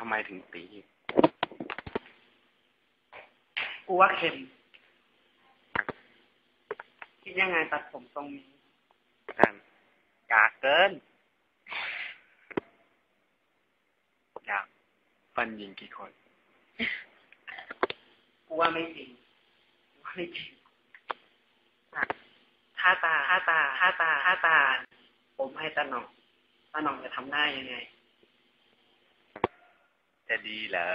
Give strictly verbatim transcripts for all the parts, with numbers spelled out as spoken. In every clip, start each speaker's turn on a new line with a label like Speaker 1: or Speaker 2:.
Speaker 1: ำไมถึงตี
Speaker 2: กูว่าเค็มคิดยังไงตัดผมทรงนี้
Speaker 1: นั่นกากเกินอยากฟันยิงกี่คน
Speaker 2: กูว่าไม่จริงกูว่าไม่จริงถ้าตาถ้าตาถ้าตาถ้าตาผมให้ตาหน่องตาหน่องจะทำได้ยังไง
Speaker 1: จะดีเหรอ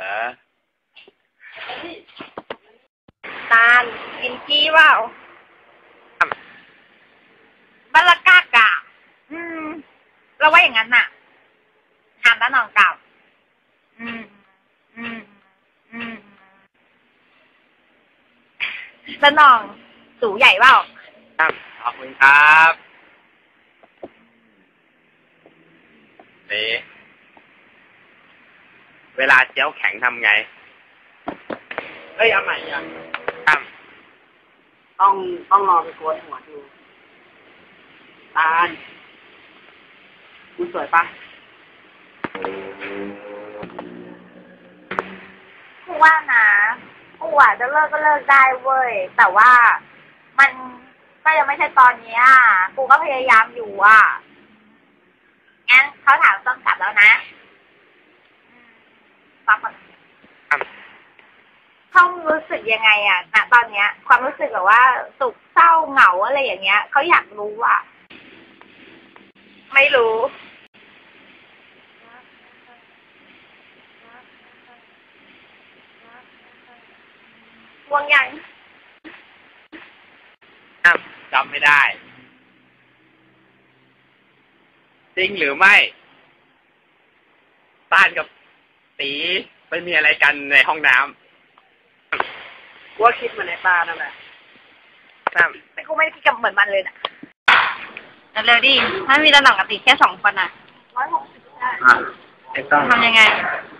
Speaker 3: ตาลกินกี้เปล่าบัลลากากะอืมเราว่าอย่างนั้นน่ะถามตาหน่องกลับอืมอืมอืมตาหน่องสูงใหญ่เปล่า
Speaker 1: ครับขอบคุณครับเอ๊ะเวลาเจียวแข็งทำไง
Speaker 2: เอ้ยเอาใหม่ยัง
Speaker 1: ครับ
Speaker 2: ต้องต้องรอไปโกนหัวดูตาลกูสวยปะ
Speaker 3: กูว่านะกูอ่ะจะเลิกก็เลิกได้เว้ยแต่ว่ามันก็ยังไม่ใช่ตอนนี้อ่ะกูก็พยายามอยู่อ่ะงั้นเขาถามต้นกลับแล้วนะฟังก่อนเขารู้สึกยังไงอ่ะณตอนเนี้ยความรู้สึกแบบว่าสุขเศร้าเหงาอะไรอย่างเงี้ยเขาอยากรู้อ่ะไม่รู้วงยัง
Speaker 1: จำไม่ได้จริงหรือไม่ต้านกับตีไปมีอะไรกันในห้องน้
Speaker 2: ำกูว่าคิดเหมือนในตานั่นแหละ
Speaker 3: แต่กูไม่ได้คิดกับเหมือนมันเลยนะเร็วดิถ้ามีระหน่องกับตีแค่สองคนอ่ะร้อยหกสิบได้ทำยังไง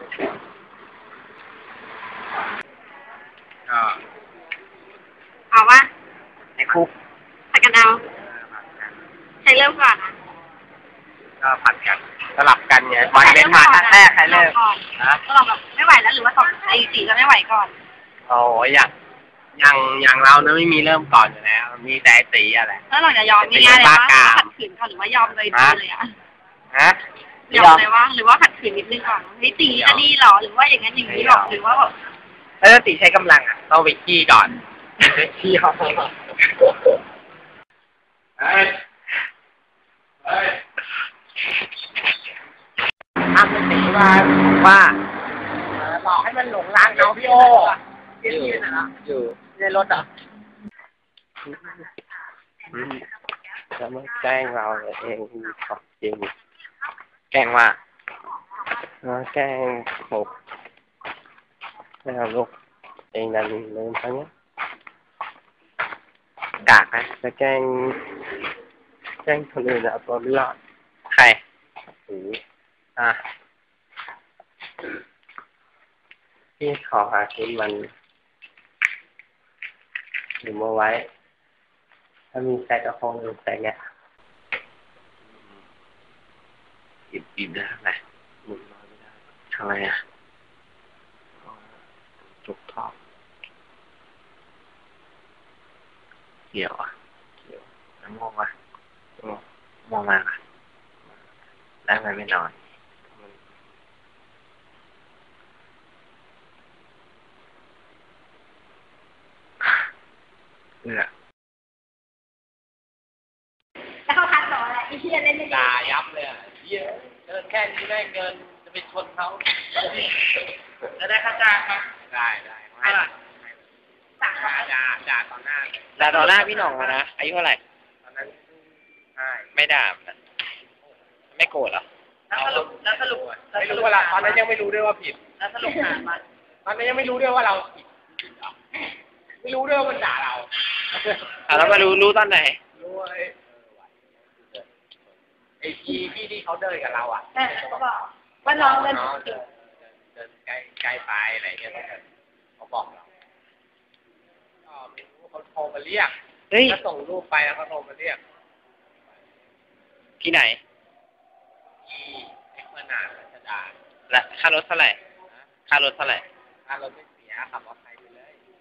Speaker 1: ก็
Speaker 3: เอาวะ
Speaker 1: ในคุก
Speaker 3: ผัดกันเอาใครเริ่มก่อนอ่ะ
Speaker 1: ก็ผัดกันสลับกันไงวันเป็นมาท่าแรกใครเริ่ม
Speaker 3: นะก็ลองแบบไม่ไหวแล้วหรือว่าสองไอ้ตีจะไม่ไหวก่อน
Speaker 1: โอ้ยอย่างอย่างอย่างเราเนี่ยไม่มีเริ่มก่อนอยู่แล้วมีแต่ตีอะไร
Speaker 3: แล้วเราจะยอมง่ายๆเลยว่าขัดขืนก่อนหรือว่ายอมเลยเลยอ่ะ
Speaker 1: ฮะ
Speaker 3: ยอมเลยว่าหรือว่าขัดขืนนิดนึงก่อนไม่ตีจะดีหรอหรือว่าอย่างนั้นอย่างนี้หรอหรือว่าแบบ
Speaker 1: ถ้าตีใช้กำลังอ่ะต้องไปขี้ก่อนขี้เขาเฮ้ยเฮ้ยทำเป็นตีว่าว่าบอกให้มันหลงรักเราพี่โออยู่อยู่ในรถอ่ะจะมาแกล้งเราเองของจริงแกล้งว่าแกล้งหกแล้วลูกเองนั่นลืมทั้งนี้กากนะจะแกล้งแกล้งคนอื่นอะตัวไม่รอดใครโอ้อ่ะพี่ขอหาชิ้นมันหรือมาไว้ถ้ามีแซกก็คงลืมแซกเนี่ยอิ่มอิ่มได้ไหมมึงนอนไม่ได้ทำไมอ่ะจุกท้องเกี่ยวอ่ะเกี่ยวน้ำมองอ่ะมองมาอ่ะแล้วมันไม่นอนเนี่ย
Speaker 3: แล้วเขาทักต่ออะไรไอ้เหี้ยเล่นไม่
Speaker 1: ด่ายับเลยอ่ะเหี้ยเดินแค่นี้ได้เงินจะไปชนเขา
Speaker 2: จะได้ค่าจ้างไหม
Speaker 1: ได้ได้ให้ด่าด่าด่าต่อหน้าด่าต่อหน้าพี่หน่องนะอายุเท่าไหร่ตอนนั้นไม่ด่าไม่โกรธหรอ
Speaker 2: แล้วสรุปแล้วสรุป
Speaker 1: ไม่รู้ว่าตอนนั้นยังไม่รู้ด้วยว่าผิด
Speaker 2: แล้วสรุปหามัน
Speaker 1: ตอนนั้นยังไม่รู้ด้วยว่าเราผิดไม่รู้ด้วยว่ามันด่าเราอ่ะแล้วมารู้รู้ตอนไหนรู้ไอ้ไอ้พี่พี่ที่เขาเดินกับเราอ่ะ
Speaker 3: เขาบอกว่าน้องเดิน
Speaker 1: เดินใกล้ใกล้ไปอะไรเงี้ยเขาบอกเราก็ไม่รู้เขาโทรมาเรียกถ้าส่งรูปไปแล้วเขาโทรมาเรียกที่ไหนที่เอ็กซ์นารัชดาและค่ารถเท่าไหร่ค่ารถเท่าไหร่
Speaker 2: ค่ารถไม่เสียขับมอเตอร์ไซค์ไปเลย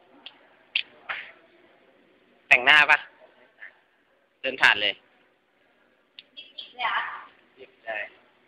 Speaker 1: แต่งหน้าปะเดินผ่านเลย
Speaker 3: เนี่ย
Speaker 1: หยิบได้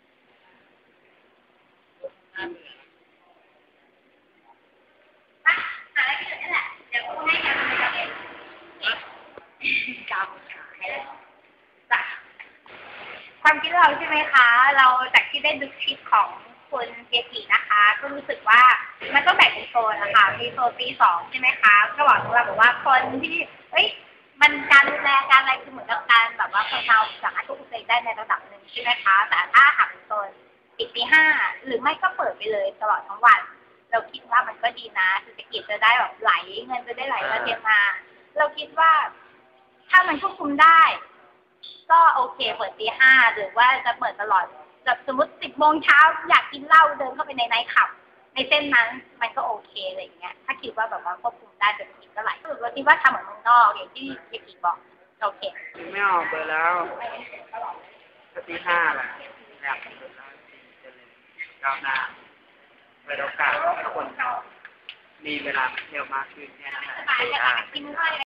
Speaker 3: อ่ะหาอะไรกินนี่แหละ เดี๋ยวกูให้กันเองจำขายจ้ะความคิดเราใช่ไหมคะ เราจากที่ได้ดูคลิปของคุณเจกีนะคะ ก็รู้สึกว่ามันก็แบ่งเป็นโซนนะคะ มีโซนปีสองใช่ไหมคะ ก็บอกเราบอกว่าคนที่เอ้ย มันการดูแลการอะไรคือเหมือนกับการแบบว่าคนเราสามารถควบคุมตัวเองได้ในระดับหนึ่งใช่ไหมคะ แต่ถ้าหากเป็นโซนปิดปีห้าหรือไม่ก็เปิดไปเลยตลอดทั้งวัน เราคิดว่ามันก็ดีนะเศรษฐกิจจะได้แบบไหลเงินจะได้ไหลมาเทมา เราคิดว่าถ้ามันควบคุมได้ ก็โอเคเปิดตีห้าหรือว่าจะเปิดตลอดแบบสมมติสิบโมงเช้าอยากกินเหล้าเดินเข้าไปในไนท์คลับ ในเส้นนั้นมันก็โอเคอะไรอย่างเงี้ยถ้าคิดว่าแบบว่าควบคุมได้เศรษฐกิจก็ไหลเราคิดว่าทำเหมือนเมืองนอกอย่างที่เยกิบอกโอเค
Speaker 2: ไม่ออกเบอร์แล้วตีห้าแหละอยากเบอร์แล้วจะเลยก้าวหน้าเปิดโอกาสให้คนมีเวลาเที่ยวมากขึ้นแค่นั้นแหละ
Speaker 3: สบายอยากกินด้วย